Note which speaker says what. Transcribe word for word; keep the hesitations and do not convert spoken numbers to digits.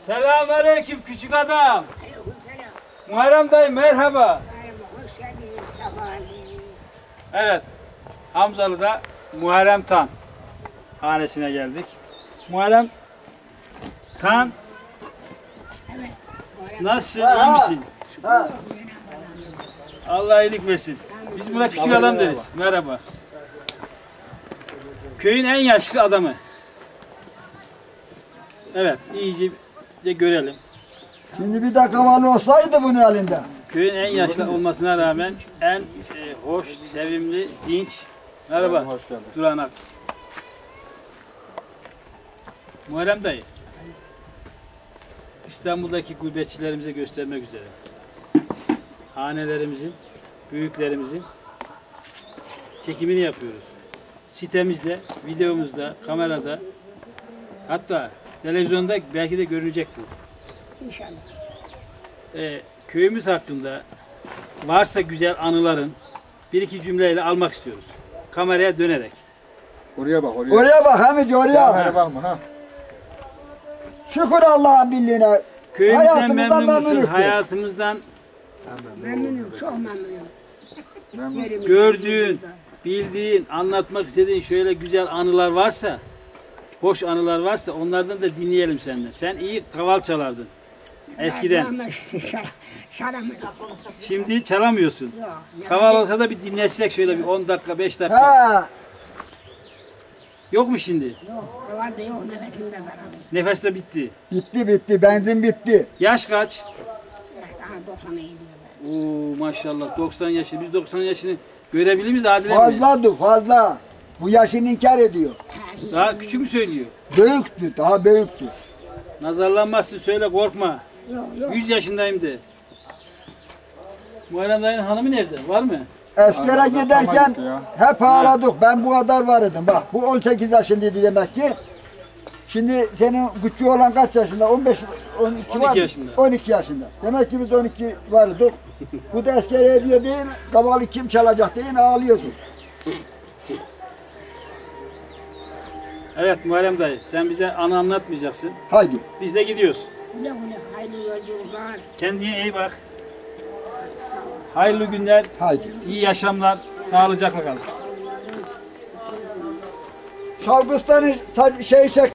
Speaker 1: Selamünaleyküm küçük adam.
Speaker 2: Aleykümselam.
Speaker 1: Muharrem dayı merhaba.
Speaker 2: Hoş geldiniz, sabahleyin.
Speaker 1: Evet, Hamzalı'da Muharrem Tan hanesine geldik. Muharrem Tan,
Speaker 2: Evet.
Speaker 1: nasılsın, iyi misin? Allah iyilik versin. Biz buna küçük adam deriz. Merhaba. Köyün en yaşlı adamı. Evet, iyice görelim.
Speaker 3: Şimdi bir de kaval olsaydı bunun elinde.
Speaker 1: Köyün en yaşlı olmasına rağmen en e, hoş, sevimli, dinç. Merhaba.
Speaker 4: Hoş geldin.
Speaker 1: Duranak. Muharrem dayı. İstanbul'daki gurbetçilerimize göstermek üzere. Hanelerimizin, büyüklerimizin çekimini yapıyoruz. Sitemizde, videomuzda, kamerada, hatta televizyonda belki de görünecek bu.
Speaker 2: İnşallah.
Speaker 1: Ee, köyümüz hakkında varsa güzel anıların bir iki cümleyle almak istiyoruz. Kameraya dönerek.
Speaker 4: Oraya bak oraya.
Speaker 3: Oraya bak Hamici oraya.
Speaker 4: Oraya bakma ha.
Speaker 3: Şükür Allah'ın birliğine.
Speaker 1: Köyümüzden
Speaker 3: Hayatımızdan
Speaker 1: memnun musun?
Speaker 3: memnunuz.
Speaker 1: Hayatımızdan
Speaker 2: Memnunum, çok memnunum.
Speaker 4: Memnun.
Speaker 2: Yerimiz-
Speaker 1: gördüğün, bildiğin, anlatmak istediğin şöyle güzel anılar varsa, hoş anılar varsa onlardan da dinleyelim senden. Sen iyi kaval çalardın eskiden.
Speaker 2: Şaramız.
Speaker 1: Şimdi çalamıyorsun.
Speaker 2: Yok.
Speaker 1: Kaval olsa da bir dinletsek şöyle bir on dakika, beş dakika.
Speaker 3: Ha,
Speaker 1: Yok mu şimdi?
Speaker 2: Yok. Kaval da yok. Nefesimde daralıyor.
Speaker 1: Nefes de bitti.
Speaker 3: bitti bitti benzin bitti.
Speaker 1: Yaş kaç?
Speaker 2: Yaşta ha doksana gidiyorlar.
Speaker 1: Oo maşallah doksan yaşı. Biz doksan yaşını görebilir miyiz Adile mi?
Speaker 3: Fazladı fazla. Bu yaşını inkar ediyor.
Speaker 2: Ha, hiç
Speaker 1: Daha küçük mü söylüyor?
Speaker 3: Büyüktü daha büyüktü.
Speaker 1: Nazarlanmazsın söyle korkma.
Speaker 2: Yok yok.
Speaker 1: yüz yaşındayım de. Muharrem dayının hanımı nerede? Var mı?
Speaker 3: Eskere
Speaker 4: Allah,
Speaker 3: giderken
Speaker 4: tamam ya.
Speaker 3: hep ağladık. Ben bu kadar vardım. Bak bu on sekiz yaşındaydı demek ki. Şimdi senin küçüğü olan kaç yaşında? on beş, on iki,
Speaker 1: on iki
Speaker 3: var mı?
Speaker 1: yaşında.
Speaker 3: on iki yaşında. Demek ki biz on iki vardık. Bu da eskere ediyor değil, kavalı kim çalacak değil ağlıyordu.
Speaker 1: Evet Muharrem dayı sen bize anı anlatmayacaksın.
Speaker 3: Haydi.
Speaker 1: Biz de gidiyoruz.
Speaker 2: Güle güle. Hayırlı yolculuklar.
Speaker 1: Kendine iyi bak. Hayırlı günler,
Speaker 3: Haydi.
Speaker 1: iyi yaşamlar, sağlıcakla kalın.
Speaker 3: Şavgustan şey çek.